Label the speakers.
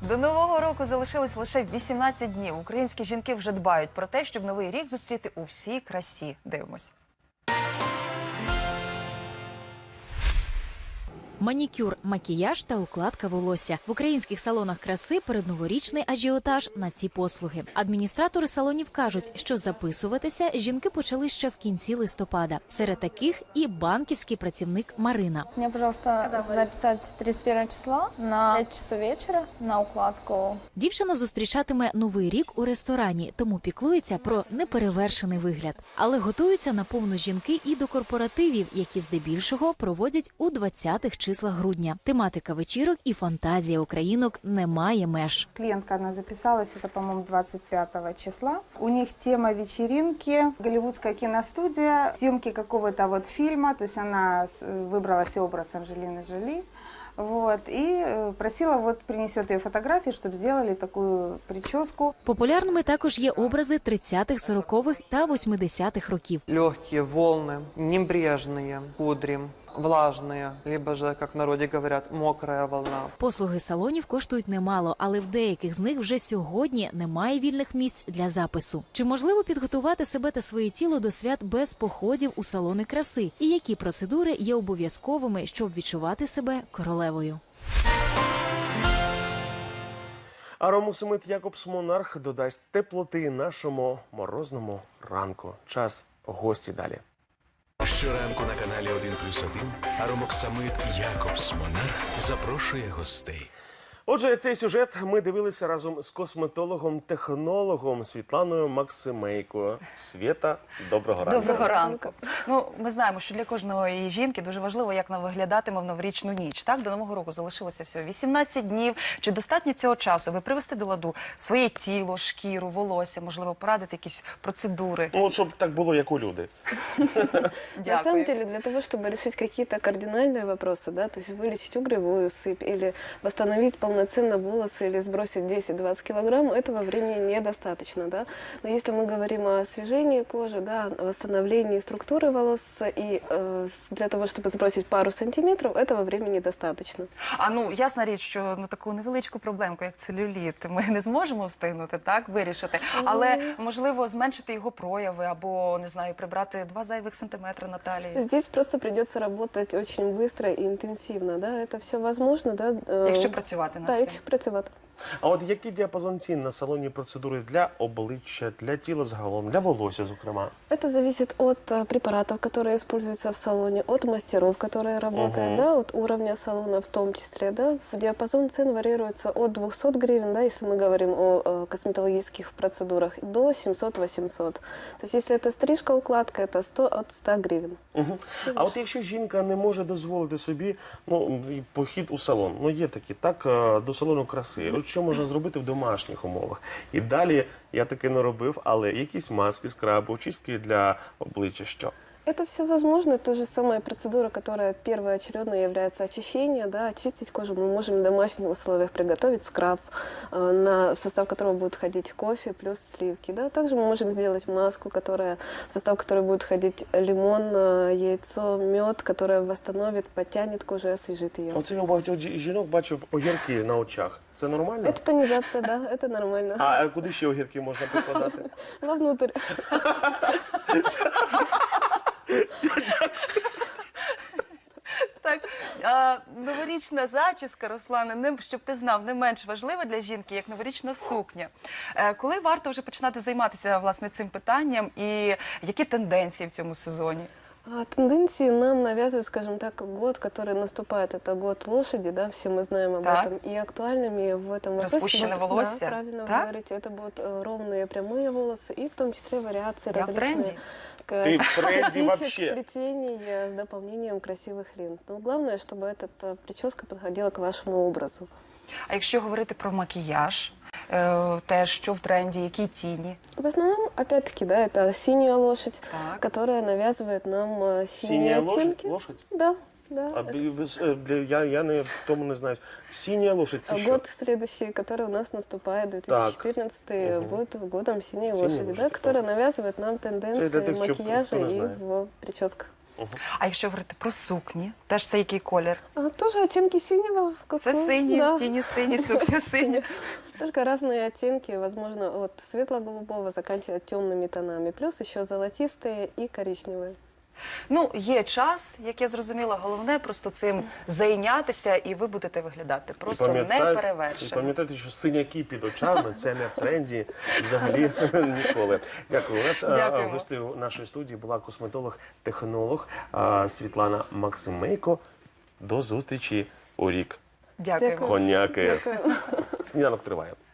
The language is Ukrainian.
Speaker 1: До Нового року залишилось лише 18 днів. Українські жінки вже дбають про те, щоб Новий рік зустріти у всій красі. Дивимось.
Speaker 2: Манікюр, макіяж та укладка волосся. В українських салонах краси передноворічний ажіотаж на ці послуги. Адміністратори салонів кажуть, що записуватися жінки почали ще в кінці листопада. Серед таких і банківський працівник Марина.
Speaker 3: Мне, пожалуйста, записать 31 числа на 5 часов вечера на укладку.
Speaker 2: Дівчина зустрічатиме Новий рік у ресторані, тому піклується про неперевершений вигляд. Але готуються на повну жінки і до корпоративів, які здебільшого проводять у 20-х числах грудня. Тематика вечірок і фантазія українок не має меж.
Speaker 4: Клиентка, она записалась, это, по-моему, 25 числа. У них тема вечеринки, голливудская киностудия, съемки какого-то вот фильма, то есть она выбрала себе образ Анджелины Джоли. Вот, и просила, вот принесет ее фотографии, чтобы сделали такую прическу.
Speaker 2: Популярними також є образи 30-х, 40-х та 80-х років.
Speaker 5: Легкие волны, небрежные кудри, влажные, либо же, как в народе говорят, мокрая волна.
Speaker 2: Послуги салонів коштують немало, але в деяких з них вже сьогодні немає вільних місць для запису. Чи можливо підготувати себе та своє тіло до свят без походів у салони краси? І які процедури є обов'язковими, щоб відчувати себе королевою?
Speaker 6: Аромусимит Якобс Монарх додасть теплоти нашому морозному ранку. Час гості далі.
Speaker 7: Щоранку на каналі 1+1 Аромоксамит Якобс Монарх запрошує гостей.
Speaker 6: Отже, цей сюжет ми дивилися разом з косметологом-технологом Світланою Максимейко. Свєта, доброго ранку.
Speaker 1: Доброго ранку. Ну, ми знаємо, що для кожної жінки дуже важливо, як вона виглядатиме в новорічну ніч. Так, до Нового року залишилося всього 18 днів. Чи достатньо цього часу, аби привести до ладу своє тіло, шкіру, волосся, можливо, порадити якісь процедури?
Speaker 6: Ну, щоб так було, як у люди.
Speaker 8: На самом деле, для того, чтобы решить какие-то кардинальные вопросы, да, то есть вылечить угревую сыпь или восстановить полноценно волосы или сбросить 10-20 килограмм, этого времени недостаточно, да. Но если мы говорим о освежении кожи, да, о восстановлении структуры волос и для того, чтобы сбросить пару сантиметров, этого времени достаточно.
Speaker 1: А ну, ясна річ, що таку невеличку проблемку, як целюліт, ми не зможемо встигнути, так, вирішити. Але, можливо, зменшити його прояви або, не знаю, прибрати 2 зайвих сантиметри на талії.
Speaker 8: Здесь просто придется работать очень быстро и интенсивно, да, это все возможно, да.
Speaker 1: Якщо працювати над
Speaker 8: Да,
Speaker 1: цим.
Speaker 8: якщо працювати.
Speaker 6: А от який діапазон цін на салонні процедури для обличчя, для тіла загалом, для волосся, зокрема?
Speaker 8: Это зависит от препаратов, которые используются в салоне, от мастеров, которые работают, да, от уровня салона в том числе, да. В диапазон цен варьируется от 200 гривен, да, если мы говорим о косметологических процедурах, до 700-800. То есть если это стрижка, укладка, это от 100 гривен.
Speaker 6: А от якщо жінка не може дозволити собі похід у салон, є такі, так, до салону краси, от що можна зробити в домашніх умовах? І далі, я таки не робив, але якісь маски, скраби, очистки для обличчя, що?
Speaker 8: Это все возможно, та же самая процедура, которая первоочередно является очищение, да, очистить кожу мы можем в домашних условиях приготовить скраб, в состав которого будет входить кофе плюс сливки, да. Также мы можем сделать маску, в состав которой будет входить лимон, яйцо, мед, которая восстановит, подтянет кожу и освежит ее.
Speaker 6: Оце я у багатьох жінок бачив огірки на очах. Це нормально?
Speaker 8: Это тонизация, да, это нормально.
Speaker 6: А куди ще огірки можна прикладати?
Speaker 8: Вовнутрь.
Speaker 1: Так, новорічна зачіска, Руслане, щоб ти знав, не менш важлива для жінки, як новорічна сукня. Коли варто вже починати займатися, власне, цим питанням і які тенденції в цьому сезоні?
Speaker 8: Тенденции нам навязывают, скажем так, год, который наступает. Это год лошади, да, все мы знаем об этом. И актуальными в этом вопросе...
Speaker 1: Распущенное волосся.
Speaker 8: Да, правильно вы говорите. Это будут ровные прямые волосы и в том числе вариации различные.
Speaker 6: Ты в тренде вообще.
Speaker 8: Плетений с дополнением красивых лент. Но главное, чтобы эта прическа подходила к вашему образу.
Speaker 1: А якщо говорити про макіяж, те, що в тренді, які тіні?
Speaker 8: В основном, опять-таки, да, это синяя лошадь, которая навязывает нам синие оттенки.
Speaker 6: Лошадь?
Speaker 8: Да. Да,
Speaker 6: я не тому не знаю. Синяя лошадь, это что?
Speaker 8: Год следующий, который у нас наступает, 2014, будет годом синей лошади, да, которая навязывает нам тенденции макияжа и в прическах.
Speaker 1: А якщо говорити про сукні, теж це який колір?
Speaker 8: Тоже оттенки синего.
Speaker 1: Це сині,
Speaker 8: да.
Speaker 1: в тіні сині, сукня синя.
Speaker 8: Только разные оттенки, возможно, от светло-голубого заканчивая темными тонами, плюс еще золотистые и коричневые.
Speaker 1: Ну, є час, як я зрозуміла, головне просто цим зайнятися, і ви будете виглядати просто
Speaker 6: І
Speaker 1: неперевершено.
Speaker 6: пам'ятайте, що синяки під очами – це не в тренді взагалі ніколи. Дякую. У нас
Speaker 1: Дякуємо.
Speaker 6: гостею нашої студії була косметолог-технолог Світлана Максимейко. До зустрічі у рік.
Speaker 1: Дякуємо.
Speaker 6: Коняки. Сніданок триває.